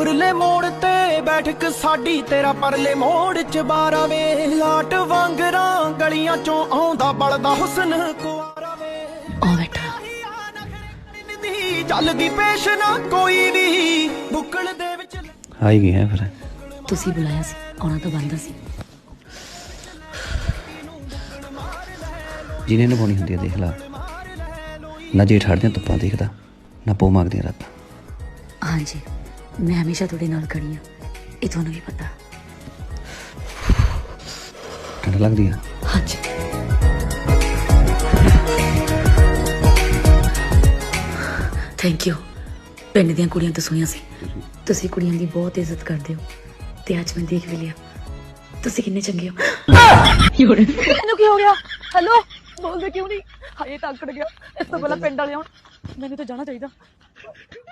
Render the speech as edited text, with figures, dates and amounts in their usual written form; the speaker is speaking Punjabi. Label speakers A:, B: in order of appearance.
A: ਉਰਲੇ ਮੋੜ ਤੇ ਬੈਠਕ ਸਾਡੀ ਤੇਰਾ ਪਰਲੇ ਮੋੜ ਚ ਬਾਰਾ ਵੇ ਲਾਟ ਵਾਂਗਰਾਂ ਗਲੀਆਂ ਚੋਂ ਆਉਂਦਾ ਬਲਦਾ ਹੁਸਨ ਕੁਆਰਾ ਵੇ
B: ਆ ਬੈਠਾ
A: ਚੱਲਦੀ ਪੇਸ਼ ਨਾ ਕੋਈ ਵੀ ਬੁੱਕਲ ਦੇ ਵਿੱਚ
C: ਆ ਹੀ ਗਿਆ ਫਿਰ
B: ਤੁਸੀਂ ਬੁਲਾਇਆ ਸੀ ਆਉਣਾ ਤਾਂ ਬੰਦਾ ਸੀ
C: ਜਿਹਨੇ ਨਿਭਾਉਣੀ ਹੁੰਦੀ ਹੈ ਦੇਖ ਲਾ ਨਾ ਜੇ ਠੜਦਿਆਂ ਧੁੱਪਾਂ ਦੇਖਦਾ ਨਾ ਪੋ ਮੰਗਦੀਆਂ ਰਾਤਾਂ
B: ਹਾਂਜੀ ਮੈਂ ਹਮੇਸ਼ਾ ਤੁਹਾਡੇ ਨਾਲ ਖੜੀ ਹਾਂ ਇਹ ਤੁਹਾਨੂੰ ਵੀ ਪਤਾ
C: ਠੰਡ ਲੱਗਦੀ ਆ
B: ਹਾਂਜੀ ਥੈਂਕ ਯੂ ਪਿੰਡ ਦੀਆਂ ਕੁੜੀਆਂ ਤਾਂ ਸੁਣੀਆਂ ਸੀ ਤੁਸੀਂ ਕੁੜੀਆਂ ਦੀ ਬਹੁਤ ਇੱਜ਼ਤ ਕਰਦੇ ਹੋ ਤੇ ਅੱਜ ਮੈਂ ਦੇਖ ਵੀ ਲਿਆ ਤੁਸੀਂ ਕਿੰਨੇ ਚੰਗੇ ਹੋ
D: ਇਹਨੂੰ ਕੀ ਹੋ ਗਿਆ ਹੈਲੋ ਬੋਲਦੇ ਕਿਉਂ ਨਹੀਂ ਹਾਏ ਤਾਂ ਅਕੜ ਗਿਆ ਇਸ ਤੋਂ ਪਹਿਲਾਂ ਪਿੰਡ ਵਾਲੇ ਆਉਣ ਮੈਨੂੰ ਤਾਂ ਜਾਣਾ ਚਾਹੀਦਾ